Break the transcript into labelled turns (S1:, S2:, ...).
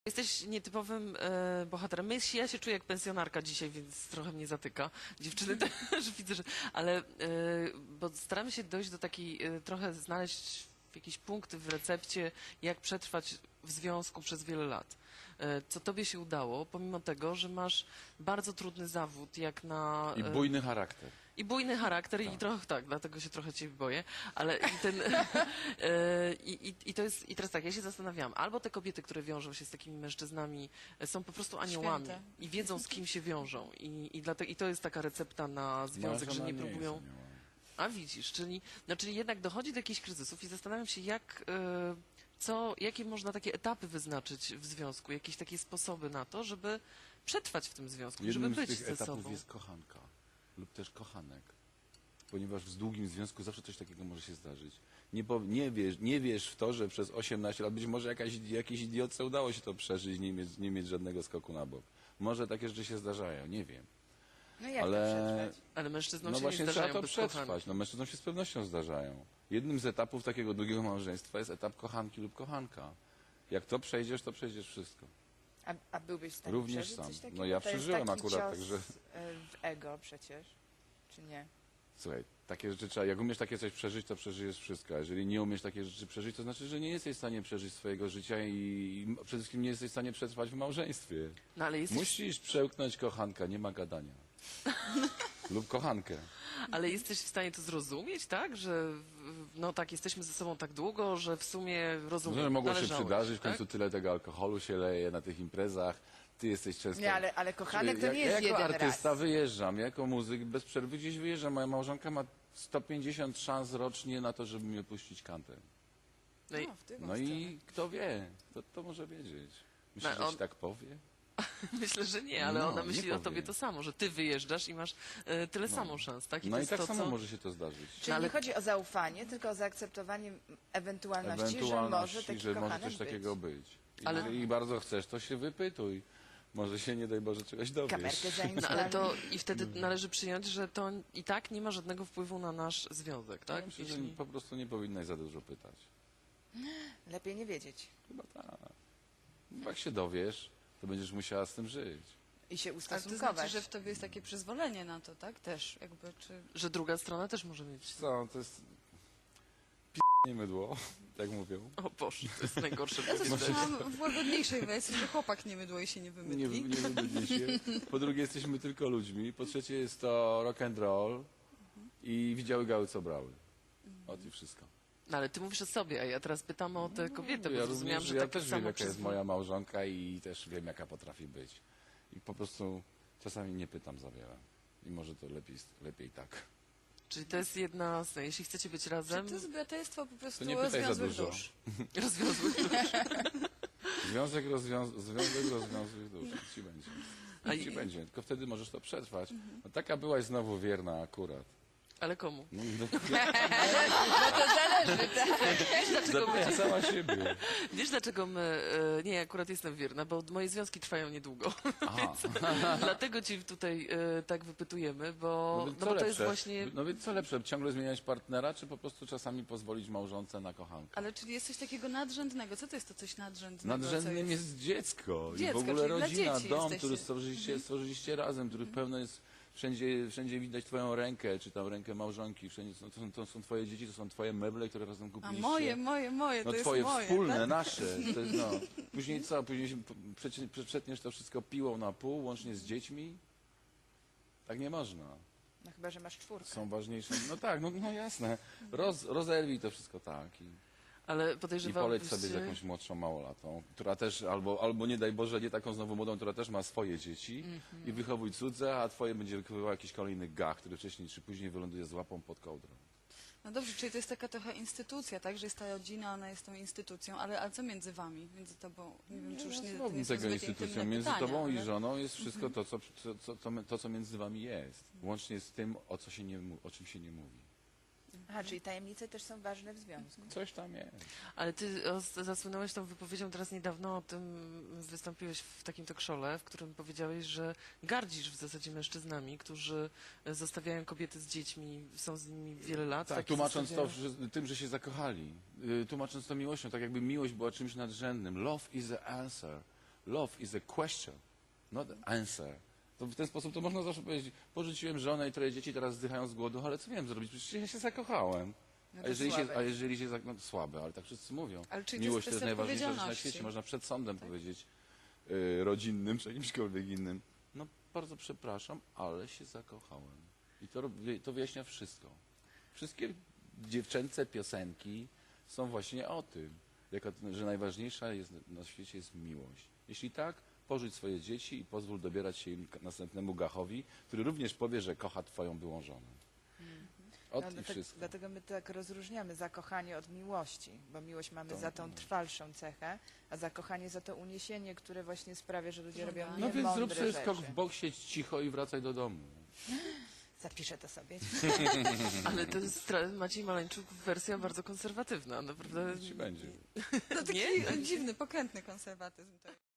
S1: Jesteś nietypowym bohaterem. Ja się czuję jak pensjonarka dzisiaj, więc trochę mnie zatyka. Dziewczyny też widzę, że... Ale bo staramy się dojść do takiej, trochę znaleźć jakieś punkty w recepcie, jak przetrwać w związku przez wiele lat. Co tobie się udało, pomimo tego, że masz bardzo trudny zawód, jak na...
S2: I bujny charakter.
S1: I bujny charakter
S2: Tak.
S1: i trochę tak, dlatego się trochę ciebie boję, ale i ten i to jest i teraz tak, ja się zastanawiałam, albo te kobiety, które wiążą się z takimi mężczyznami, są po prostu aniołami
S3: Święte.
S1: i wiedzą, z kim się wiążą i to jest taka recepta na związek, że nie próbują. A widzisz, czyli jednak dochodzi do jakichś kryzysów i zastanawiam się, jakie można takie etapy wyznaczyć w związku, jakieś takie sposoby na to, żeby przetrwać w tym związku, żeby
S2: Jednym z
S1: być
S2: tych
S1: ze
S2: etapów
S1: sobą.
S2: jest kochanka lub też kochanek. Ponieważ w długim związku zawsze coś takiego może się zdarzyć. Nie wiesz w to, że przez 18 lat być może jakiejś idiotce udało się to przeżyć, nie mieć żadnego skoku na bok. Może takie rzeczy się zdarzają, nie wiem.
S3: No jak
S2: Ale,
S3: to przetrwać?
S1: Ale mężczyznom
S2: no
S1: się
S2: właśnie
S1: nie
S2: trzeba
S1: zdarzają
S2: to
S1: bez
S2: przetrwać.
S1: kochanek.
S2: No mężczyznom się z pewnością zdarzają. Jednym z etapów takiego długiego małżeństwa jest etap kochanki lub kochanka. Jak to przejdziesz wszystko.
S3: A byłbyś w stanie
S2: Również
S3: przeżyć
S2: sam.
S3: coś takiego?
S2: No ja
S3: To jest
S2: przeżyłem
S3: taki
S2: akurat,
S3: cios,
S2: także...
S3: w ego przecież, czy nie?
S2: Słuchaj, takie rzeczy trzeba, jak umiesz takie coś przeżyć, to przeżyjesz wszystko. A jeżeli nie umiesz takie rzeczy przeżyć, to znaczy, że nie jesteś w stanie przeżyć swojego życia i przede wszystkim nie jesteś w stanie przetrwać w małżeństwie.
S1: No ale jesteś,
S2: Musisz przełknąć kochanka, nie ma gadania. Lub kochankę.
S1: ale jesteś w stanie to zrozumieć, tak? Że no tak, jesteśmy ze sobą tak długo, że w sumie rozumiem.
S2: Że mogło się
S1: należałeś,
S2: przydarzyć, w
S1: tak?
S2: końcu tyle tego alkoholu się leje na tych imprezach. Ty jesteś często...
S3: Nie, ale kochanek to
S2: Ja
S3: nie jest
S2: jako
S3: jeden
S2: artysta
S3: raz.
S2: wyjeżdżam, jako muzyk bez przerwy gdzieś wyjeżdżam. Moja małżonka ma 150 szans rocznie na to, żeby mi opuścić kantę.
S1: No i,
S3: w tym
S2: No i kto wie, to może wiedzieć. Myślisz,
S1: No,
S2: że
S1: on-
S2: ci tak powie?
S1: myślę, że nie, ale
S2: No,
S1: ona
S2: nie
S1: myśli o
S2: powie.
S1: tobie to samo, że ty wyjeżdżasz i masz tyle samo szans, tak?
S2: No
S1: to
S2: i
S1: jest
S2: tak
S1: to,
S2: samo
S1: co...
S2: może się to zdarzyć.
S3: Czyli
S1: ale-
S3: nie chodzi o zaufanie, tylko o zaakceptowanie ewentualności, że może taki
S2: że może
S3: kochanek
S2: coś takiego być.
S1: Ale-
S2: Jeżeli bardzo chcesz, to się wypytuj. Może się, nie daj Boże, czegoś dowiesz.
S3: Kamerkę
S1: No
S3: zainstaluj.
S1: ale to i wtedy należy przyjąć, że to i tak nie ma żadnego wpływu na nasz związek,
S2: Ja
S1: tak?
S2: myślę, że
S1: Jeśli...
S2: po prostu nie powinnaś za dużo pytać.
S3: Lepiej nie wiedzieć
S2: Chyba tak. Bo jak się dowiesz, to będziesz musiała z tym żyć.
S3: i się
S4: Ale to
S3: ustosunkować.
S4: znaczy, że w tobie jest takie przyzwolenie na to, tak? Też jakby, czy...
S1: Że druga strona też może mieć...
S2: Co, to jest... nie mydło, tak mówią.
S1: O Boże, to jest najgorsze
S4: Ja to
S1: powiedzenie.
S4: słyszałam w łagodniejszej wersji, że chłopak nie mydło i się nie
S2: Nie
S4: wymydli.
S2: wybudzi się. Po drugie, jesteśmy tylko ludźmi. Po trzecie, jest to rock and roll i widziały gały, co brały. Ot i wszystko.
S1: No ale ty mówisz o sobie, a ja teraz pytam o tę kobietę, bo
S2: Ja
S1: zrozumiałam,
S2: również,
S1: że
S2: ja
S1: tak
S2: też wiem,
S1: samo
S2: jaka jest moja małżonka i też wiem, jaka potrafi być. I po prostu czasami nie pytam za wiele. I może to lepiej tak.
S1: Czyli to jest jedna z... Jeśli chcecie być razem,
S4: To jest braterstwo po prostu
S2: To nie pytaj za
S4: rozwiązłych
S2: dużo.
S4: dusz.
S1: rozwiązłych
S2: Związek rozwiązuje dusz. Nic ci będzie.
S1: A
S2: Nic ci
S1: i-
S2: będzie. Tylko wtedy możesz to przetrwać. No, taka byłaś znowu wierna akurat.
S1: Ale komu?
S2: No,
S1: Wiesz dlaczego,
S2: ja sama siebie.
S1: wiesz, dlaczego my... Nie, akurat jestem wierna, bo moje związki trwają niedługo.
S2: Aha.
S1: Dlatego ci tutaj tak wypytujemy, bo,
S2: No, więc
S1: no
S2: co
S1: bo to jest
S2: lepsze?
S1: właśnie...
S2: No więc co lepsze, ciągle zmieniać partnera, czy po prostu czasami pozwolić małżonce na kochankę?
S4: Ale czyli jest coś takiego nadrzędnego. Co to jest to coś nadrzędnego?
S2: Nadrzędnym
S4: co
S2: jest dziecko. I w
S4: Dziecko,
S2: ogóle
S4: czyli dla
S2: rodzina,
S4: dzieci
S2: dom,
S4: jesteście.
S2: który stworzyliście razem, który pełno jest, wszędzie widać twoją rękę, czy tam rękę małżonki, wszędzie to są twoje dzieci, to są twoje meble, które razem
S4: A
S2: kupiliście.
S4: moje,
S2: No
S4: to jest
S2: twoje
S4: moje.
S2: wspólne,
S4: tak?
S2: nasze. To jest, no. Później co? Później się przetniesz to wszystko piłą na pół, łącznie z dziećmi? Tak nie można.
S3: No chyba, że masz czwórkę.
S2: Są ważniejsze. No tak, no jasne. Rozerwij to wszystko tak.
S1: Ale
S2: I
S1: podejrzewam,
S2: poleć sobie z jakąś młodszą małolatą, która też, albo nie daj Boże, nie taką znowu młodą, która też ma swoje dzieci i wychowuj cudze, a twoje będzie wychowywał jakiś kolejny gach, który wcześniej czy później wyląduje z łapą pod kołdrą.
S4: No dobrze, czyli to jest taka trochę instytucja, tak? Że jest ta rodzina, ona jest tą instytucją, ale co między wami? Między tobą, nie wiem, czy już nie, to nie są
S2: tego
S4: zbyt
S2: instytucją.
S4: intymne
S2: Między
S4: pytania,
S2: tobą i
S4: ale...
S2: żoną jest wszystko to, co między wami jest. Łącznie z tym, o czym się nie mówi.
S3: Aha, czyli tajemnice też są ważne w związku.
S2: Coś tam jest.
S1: Ale ty zasłynąłeś tą wypowiedzią teraz niedawno o tym, wystąpiłeś w takim talk show'le, w którym powiedziałeś, że gardzisz w zasadzie mężczyznami, którzy zostawiają kobiety z dziećmi, są z nimi wiele lat.
S2: Tak,
S1: takie
S2: tłumacząc to
S1: zostawiają.
S2: tym, że się zakochali. Tłumacząc to miłością, tak jakby miłość była czymś nadrzędnym. Love is the answer. Love is a question, not an answer. To w ten sposób to można zawsze powiedzieć, porzuciłem żonę i 3 dzieci, teraz zdychają z głodu, ale co miałem zrobić? Przecież ja się zakochałem.
S3: No
S2: A
S3: to
S2: jeżeli
S3: słabe.
S2: no, słabe, ale tak wszyscy mówią.
S4: Ale czyli to
S2: Miłość
S4: jest
S2: to jest
S4: kwestia
S2: najważniejsza rzecz na
S4: odpowiedzialności.
S2: świecie. Można przed sądem powiedzieć rodzinnym czy jakimśkolwiek innym. No bardzo przepraszam, ale się zakochałem. I to wyjaśnia wszystko. Wszystkie dziewczęce piosenki są właśnie o tym, że najważniejsza jest, na świecie jest miłość. Jeśli tak, porzuć swoje dzieci i pozwól dobierać się im następnemu gachowi, który również powie, że kocha twoją byłą żonę. I wszystko.
S3: Dlatego my tak rozróżniamy zakochanie od miłości, bo miłość mamy za tą trwalszą cechę, a zakochanie za to uniesienie, które właśnie sprawia, że ludzie robią
S4: No
S2: No więc
S3: niemądre
S2: zrób sobie
S3: rzeczy.
S2: skok w bok, siedź cicho i wracaj do domu.
S3: Zapiszę to sobie.
S1: Ale to jest Maciej Maleńczuk wersja bardzo konserwatywna, naprawdę.
S2: Ci będzie.
S4: To taki dziwny, pokrętny konserwatyzm to jest.